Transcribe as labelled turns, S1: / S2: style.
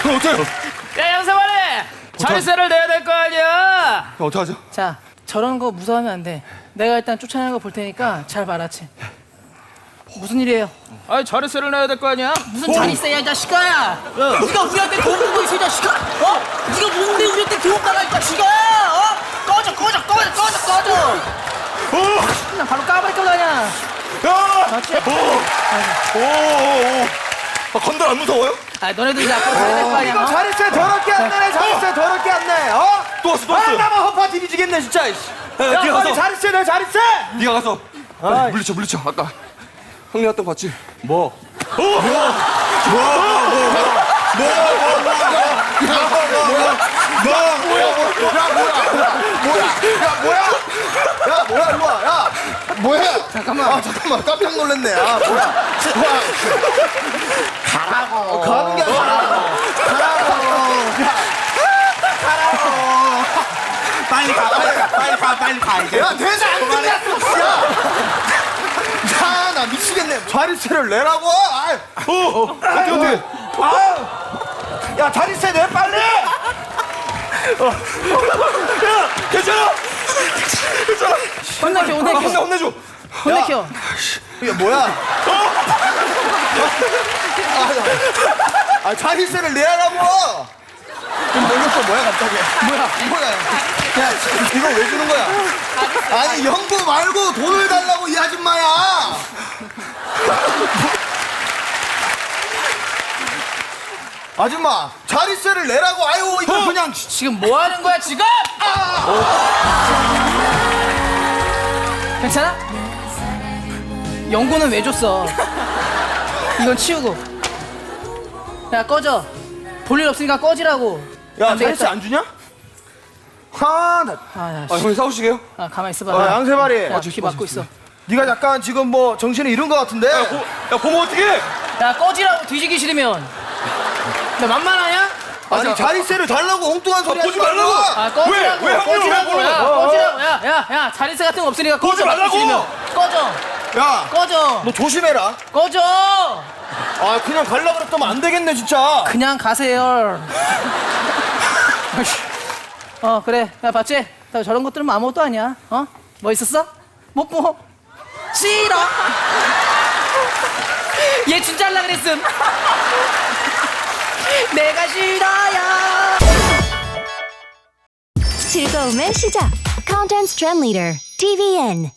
S1: 어때요?
S2: 야 양세만이 자리세를 내야 될 거 아니야.
S1: 어떡하죠?
S3: 자, 저런 거 무서워하면 안 돼. 내가 일단 쫓아내는 거 볼 테니까 잘 봐라치. 무슨 일이에요?
S2: 아니 자리세를 내야 될 거 아니야.
S3: 무슨 자리세야, 이 자식아! 네가 우리한테 돈 주고 있어, 이 자식아! 네가 뭔데 우리한테 돈 달라, 이 자식아! 꺼져! 그냥 바로 까발릴 거다, 그냥.
S1: 야!
S3: 맞지?
S1: 건달 안 무서워요?
S3: 아, 너네도 이제 앞으로 가야 될 거 아니야?
S4: 이거 자릿세 더럽게 안 내네. 자릿세 더럽게 안 내.
S1: 또 왔어.
S4: 나만 허파 뒤지겠네 진짜.
S1: 야,
S4: 야,
S1: 네가
S4: 빨리
S1: 가서.
S4: 자릿세 내 자릿세.
S1: 네가 가서 빨리 물리쳐. 아까 형님 왔던 거 봤지? 뭐?
S4: 야 뭐야 일로 와. 야 뭐야? 잠깐만. 잠깐만 깜짝 놀랐네. 뭐야? 가라고. 가는 게 아니라 빨리 가 이제. 야 대사 안 끝났어. 야나 미치겠네. 자릿세를 내라고.
S1: 어떻게?
S4: 야 자릿세 내 빨리.
S1: 야, 괜찮아?
S3: 혼내켜. 혼내켜.
S4: 이게 뭐야? 자릿세를 내라고. 놀렸어 뭐야 갑자기? 뭐야? 야 이거 왜 주는 거야? 아니 연구 말고 돈을 달라고 이 아줌마야. 아줌마 자릿세를 내라고. 아유 이거 그냥.
S3: 지금 뭐 하는 거야, 지금? 괜찮아? 연고는 왜 줬어? 이건 치우고. 야, 꺼져. 볼 일 없으니까 꺼지라고.
S4: 야
S3: 안 되겠다.
S4: 자릿세 안 주냐? 하나.
S3: 야,
S1: 형님 싸우시게요?
S3: 가만히 있어봐.
S4: 양세발이.
S3: 야, 귀 막고 있어.
S4: 네가 약간 지금 뭐 정신을 잃은 것 같은데.
S1: 야, 보면 어떡해?
S3: 야, 꺼지라고, 뒤지기 싫으면. 나 만만하냐?
S4: 아니 자릿세를 달라고 엉뚱한 소리 하지
S1: 보지 말라고.
S3: 아, 꺼지라고.
S1: 왜
S3: 꺼지라고.
S1: 왜
S3: 야,
S1: 그래?
S3: 꺼지라고. 야, 자릿세 같은 거 없으니까 꺼져.
S1: 꺼지 말라고.
S3: 싫으면. 꺼져.
S4: 야
S3: 꺼져.
S4: 너 조심해라.
S3: 꺼져.
S4: 아 그냥 갈라 그랬더면 안 되겠네 진짜.
S3: 그냥 가세요. 그래. 야, 봤지? 나 저런 것들은 아무것도 아니야. 뭐 있었어? 뭐? 싫어. 얘 진짜 하려고 그랬음. 내가 싫어요.
S5: 즐거움의 시작. Content Trend Leader, TVN.